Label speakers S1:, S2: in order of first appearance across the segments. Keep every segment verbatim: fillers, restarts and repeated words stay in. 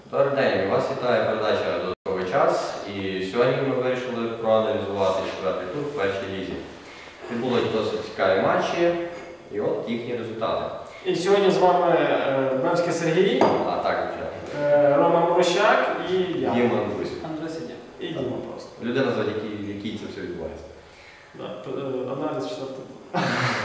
S1: Добрий день, вас вітає передача «Додатковий час». І сьогодні ми вирішили проаналізувати четвертий тур в першій лізі. Відбулись досить цікаві матчі, і от їхні результати.
S2: І сьогодні з вами Бевський Сергій,
S1: А так, звичайно.
S2: Рома Морощак і я.
S1: Діма Андрюсь.
S3: Андрій Сидя.
S2: І Діма просто.
S1: Людина, за якій, якій це все відбувається.
S2: Аналіз четвертого туру.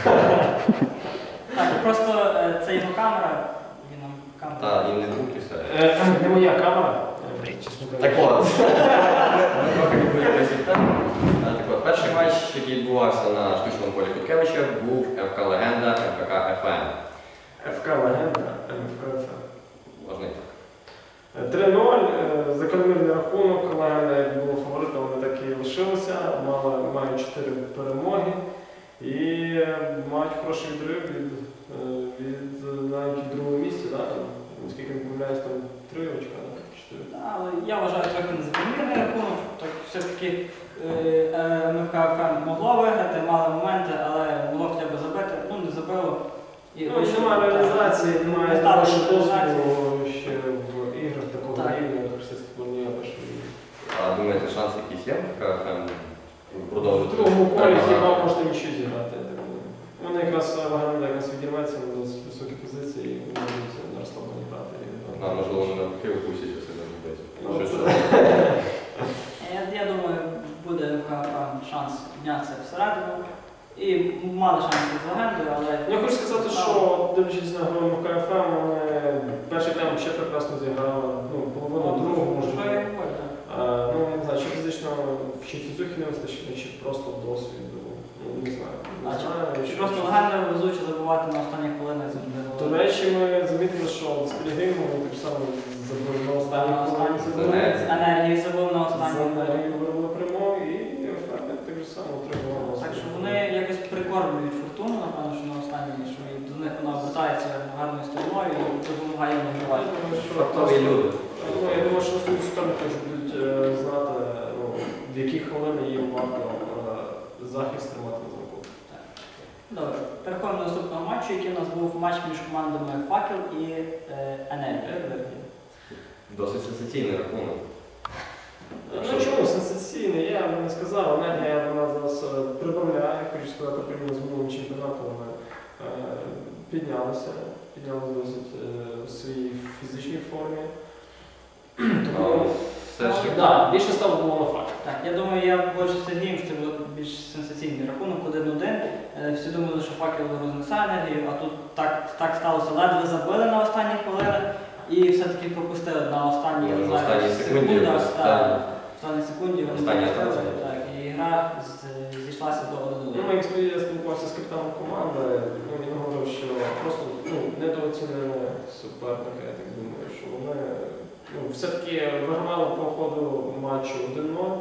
S3: Так, просто е, це його камера, він нам камера.
S1: Так, він не звук і все.
S2: Не моя камера. чесно
S1: Так
S2: кажучи.
S1: от, ми трохи відволіклися від теми. Так от, перший матч, який відбувався на штучному полі Куткевича, був ФК Легенда, ФК ФМ.
S2: ФК Легенда, ФК ФМ.
S1: Можна і так.
S2: три нуль, закономірний рахунок, Легенда, як було фаворитом, вони так і лишилися, мали, мають чотири перемоги і мають хороший відрив від, від навіть другого місця, да? Наскільки не помиляюсь, там три очка, чотири.
S3: Але я вважаю трохи незакономірний рахунок, так все-таки МФК ФМ могло виграти, мали моменти, але могло хоча б забити, ну не забило. І
S2: Ну, немає реалізації, немає хорошого досвіду ще в іграх такого рівня, як російська футбольна перша ліга.
S1: А думаєте, шанси якісь є в ФК ФМ
S2: В
S1: продовжити?
S2: другому колі хіба можете нічого зіграти, я так думаю. Вони якраз Легенда якраз відірветься на досить високі позиції і можуть на розслаблені грати.
S1: А, можливо, вони навпаки випустять усе на робити.
S3: Я, я думаю, буде МФК ФМ шанс піднятися всередину. І мали шанси з Легендою, але...
S2: Я хочу сказати, що дивлячись на гру МФК ФМ, вони перший тайм ще прекрасно зіграли, ну, половину другого, може. Ну, не знаю, чи фізично, чи фізухи не вистачить, чи просто досвіду, ну, не знаю.
S3: А чи, чи просто Легенда везуче забувати на останніх хвилинах завжди?
S2: До речі, ми замітили, що з Пілігримом вони так само забили на останніх хвилинах.
S3: З енергії забив на останніх
S2: З
S3: хвилинах.
S2: енергії виробили прямого і Фернет так же само отримував.
S3: Так що вони якось прикормлюють фортуну, напевно, що на останній, що до них вона обертається гарною стороною і допомагає їм виживати.
S1: Фартові люди.
S2: Ну, я думаю, що основні суперники будуть е, знати, ну, в які хвилини їм варто е, захист тримати на замку.
S3: Добре, переходимо до наступного матчу, який у нас був матч між командами Факел і е, Енергія.
S1: Досить сенсаційний рахунок.
S2: Ну чому сенсаційний? Я б не сказав, Енергія вона зараз е, прибавляє, хочу сказати, порівняно з минулим чемпіонатом вони е, піднялися, піднялися досить е, в своїй фізичній формі. Тому,
S1: все ж таки.
S2: да, більше ставок було на факт.
S3: Так, я думаю, я більше з Сергієм, що це був більш сенсаційний рахунок, один один. Е, Всі думали, що Факел рознесе Енергію, а тут так, так сталося, ледве забили на останні хвилини і все-таки пропустили на останній
S1: Ну, на
S3: знаю,
S1: останній секунді
S3: секундах,
S1: просто,
S3: так,
S1: так.
S3: останній секунді вони
S1: Останній
S3: пропустили,
S1: атаці.
S3: так, і гра з- зійшлася до один
S2: Ну,
S3: один.
S2: як я спілкувався з капітаном команди, ну, він говорив, що просто ну, недооцінили суперника, я так думаю, що вони ну, все-таки вигравали по ходу матчу один нуль,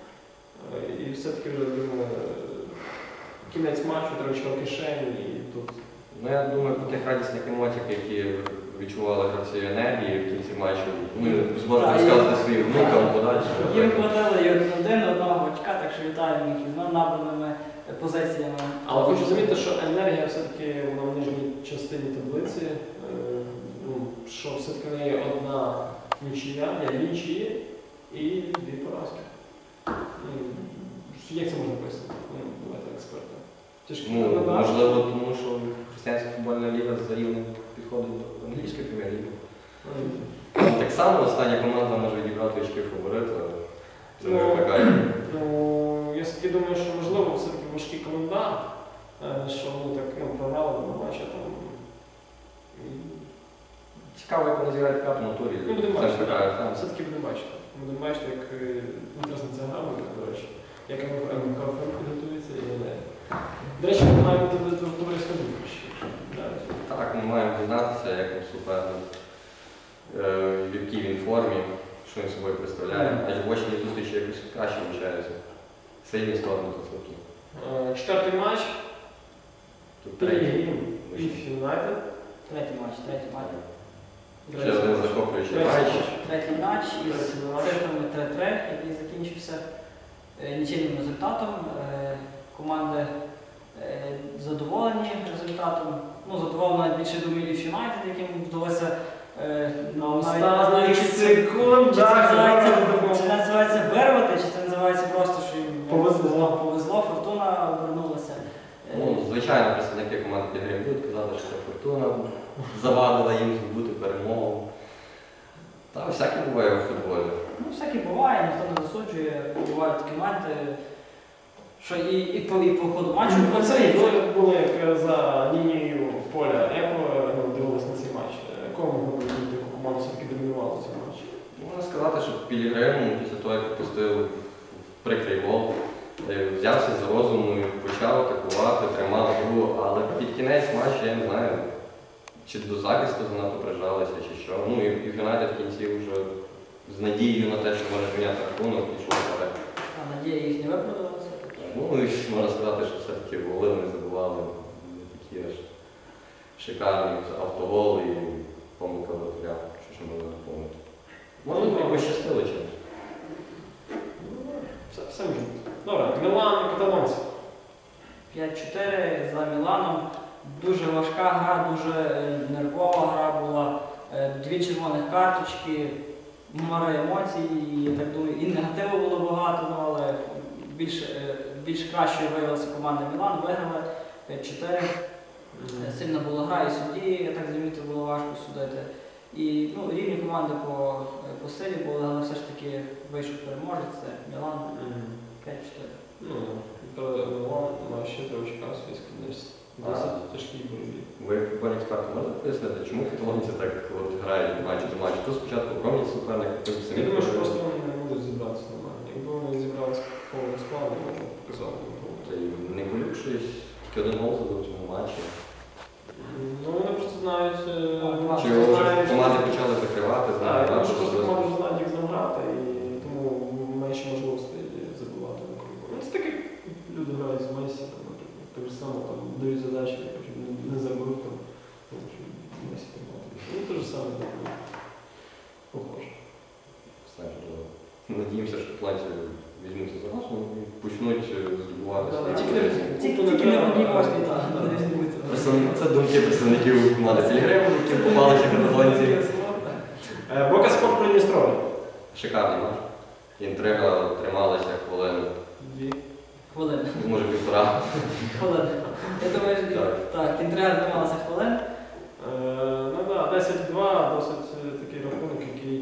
S2: і все-таки вже думаю, кінець матчу, три очка в кишені, і тут.
S1: Ну, я думаю, по тих радісних емоціях, які відчували гравці Енергії в кінці матчу, ми зможемо
S3: Так,
S1: розказати своїм внукам подальше.
S3: Їм хватило і один один, одного очка, так що вітаємо їх із набраними позиціями.
S2: Але хочу замітити, що Енергія все-таки вона в нижній частині таблиці, е, ну, що все-таки в неї одна нічия, я нічиї і дві поразки. Ну, як це можна пояснити? Ну, давайте експерти. Тяжкі
S1: Ну,
S2: передачі.
S1: можливо, тому що християнська футбольна ліга за рівнем підходить до англійської прем'єр-ліги. Там так само остання команда може відібрати очки фаворита. Це не
S2: Ну,
S1: викликає.
S2: Ну, я все-таки думаю, що можливо все-таки важкий календар, е, що вони так ну, програли на матчі там. І...
S1: Цікаво, як вони зіграють в п'ятому турі.
S2: Ну, будемо
S1: Це ж
S2: бачити,
S1: така
S2: так.
S1: там.
S2: Все-таки будемо бачити. Будемо бачити, як е, інтересна ця гра буде, до речі. Як МК підготується і не. До речі, ми маємо бути товариська зустріч.
S1: Так, ми маємо дізнатися, як він суперник, е, в якій він формі, що він собою представляє. Адже в очній зустрічі якось краще вивчаються. Сильні сторони та слабкі.
S2: Е, Четвертий матч.
S1: Тут третій.
S2: Пілігрім і Юнайтед.
S3: Третій матч, третій матч.
S1: Ще один захоплюючий
S2: Третій
S1: матч.
S3: Третій матч із
S2: Третій матч.
S3: цифрами три три, який закінчився е, нічийним результатом. Е, Команди е, задоволені результатом. Ну, задоволена більше думаю Ліф Юнайтед, яким вдалося е,
S2: На
S3: навіть
S2: останніх
S3: чи це-
S2: секундах.
S3: Чи це називається,
S2: Роман
S3: чи це називається вирвати, чи це називається просто, що їм
S2: Повезло.
S3: повезло, фортуна обернулася. Е,
S1: Ну, звичайно, представники команди Пілігрим будуть казати, що це фортуна завадила їм здобути перемогу. Та всяке буває у футболі.
S3: Ну, всяке буває, ніхто не засуджує, бувають такі моменти, що і, і, по, і по ходу матчу
S2: Пацани, ви були як за лінією поля. Як ви ну, дивились на цей матч? Якого могли б бути, яку команду все-таки домінувала в цьому матчі?
S1: Можна сказати, що Пілігрим після того, як пропустив прикрий гол, е, взявся за розуму і почав атакувати, тримав гру, але під кінець матчу, я не знаю, чи до захисту занадто прижалися, чи що. Ну і, і Юнайтед в кінці вже з надією на те, що може зміняти рахунок, пішов вперед.
S3: А надія їх не виправдалася.
S1: Ну і ж можна сказати, що все-таки голи вони забували не такі аж шикарні автогол і помилка воротаря, що ще можна допомогти. Може, і пощастило чимось.
S2: Все, все може бути. Добре, Мілан і каталонці.
S3: п'ять чотири за Міланом. Дуже важка гра, дуже е, нервова гра була. Е, Дві червоних карточки, море емоцій, і, я так думаю, і негативу було багато, ну, але більш, е, більш кращою виявилася команда Мілан, виграли п'ять чотири. Е, Сильна була гра і судді, я так замітив, було важко судити. І ну, рівні команди по, по силі були, але все ж таки вийшов переможець, це Мілан п'ять чотири.
S2: Ну, Мілан має ще три очка в свій складність. Досить тяжкий бойові.
S1: Ви як футбольний експерт можете пояснити, чому каталонці так от грають від матчу до матчу? То спочатку промінь суперника, потім самі.
S2: Я думаю, що просто вони не можуть зібратися нормально. Якби вони зібралися повним складом, може показали б гру.
S1: Та й не полюбшись, тільки один гол забив в цьому матчі.
S2: Ну вони просто знають. е,
S3: А,
S1: Чи
S2: просто
S1: вже
S2: знають,
S1: команди почали закривати,
S2: Так,
S1: знають,
S2: я думаю, що
S1: що
S2: просто
S1: це-
S2: команда вже знають, як з ним грати, і тому менше можливостей забувати на кругу. Ну це таке, люди грають з Месі, там, наприклад, так же само там дають задачі, так, щоб не- не забив там, ну, щоб Месі там мати. Ну те ж саме, так, ну, похоже.
S1: Знаєш, надіємося, що каталонці візьмуться за нас, ну, і почнуть е, здобувати
S2: Да,
S1: свої
S2: тільки
S1: позиції.
S3: Тільки
S2: Купу не
S3: тільки не
S2: треба.
S3: одній восьмій,
S2: Да,
S3: так,
S2: да.
S3: не різниця.
S1: Представ- Це думки представників команди Пілігрим, які попалися каталонці.
S2: Е, Бока Спорт Придністров'я.
S1: Шикарний матч. Інтрига трималася хвилину,
S2: Дві.
S3: Хвилин.
S1: може півтора.
S3: Хвилин. Я думаю, що
S1: Так.
S3: так, інтрига трималася хвилин.
S2: Е, Ну так, десять два, досить е, такий рахунок, який,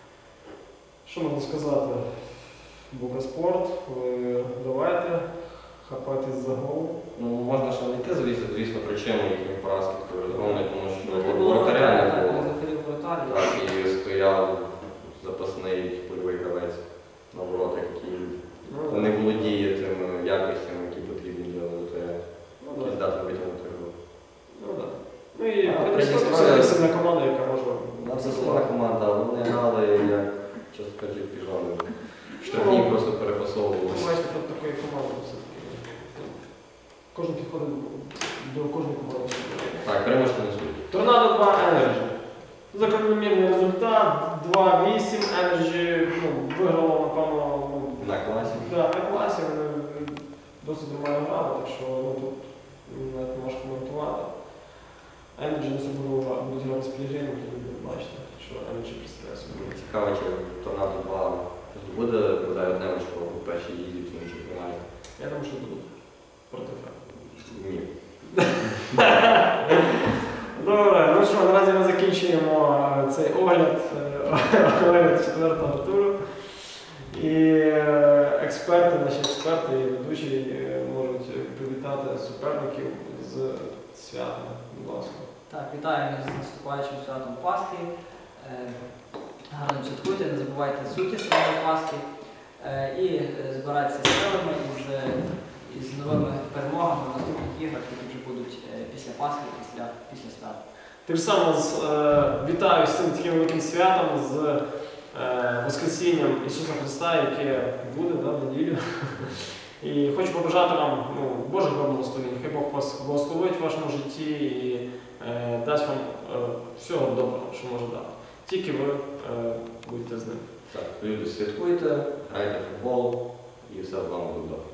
S2: що можна сказати, Букаспорт, ви давайте хапатись за гол.
S1: Ну, можна ще знайти, звісно, звісно, причину їхньої поразки такої розгромної, тому що
S3: Не було
S1: воротаря
S3: вратаря,
S1: не
S3: так,
S1: було.
S3: не заходив воротар.
S1: Так, і стояв запасний польовий гравець на воротах, який
S2: Ну,
S1: не володіє тими якостями, які потрібні для воротаря.
S2: Ну,
S1: І
S2: да.
S1: здатний витягнути гру.
S2: Ну, да. Ну і
S1: А,
S2: Придністров'я
S1: Придністров'я-
S2: це сильна команда, яка може...
S1: Ну, це слова команда, але вони грали, як чесно кажучи, піжони. Штрафні
S2: Ну,
S1: просто
S2: Ви
S1: перепасовували.
S2: бачите, проти такої команди все-таки. Кожен підходить до кожної команди.
S1: Так, переможці не суть.
S2: Торнадо два Energy. Закономірний результат. два вісім. Energy ну, виграло, напевно, ну,
S1: На класі.
S2: да, на класі. Вони досить нормально грали, так що ну, тут навіть не можеш коментувати. Energy не особливо будуть грати з Пілігримом, тоді ви бачите, що Energy представляє собі.
S1: Цікаво, чи Торнадо два здобуде, бодай одне очко у першій їзді в цьому чемпіонаті.
S2: Я думаю, що будуть проти Франка.
S1: Ні.
S2: Добре, ну що, наразі ми закінчуємо е, цей огляд, е, огляд четвертого туру. І е, експерти, наші експерти і ведучі е, можуть привітати суперників з святом, будь ласка.
S3: Так, вітаємо з наступаючим святом Пасхи. Е, Гарно святкуйте, не забувайте суті своєї Пасхи. Е, І е, збирайтеся з силами із, із новими перемогами в наступних іграх, які вже будуть е, після Пасхи, після, після свята.
S2: Так само з, е, вітаю з цим таким великим святом, з е, Воскресінням Ісуса Христа, яке буде да, в неділю. І хочу побажати вам ну, Божих вам благословень. Хай Бог вас благословить в вашому житті і е, дасть вам е, всього доброго, що може дати. Тільки ви е, будьте з ним.
S1: Так, люди, святкуйте, грайте в футбол і все з вами буде добре.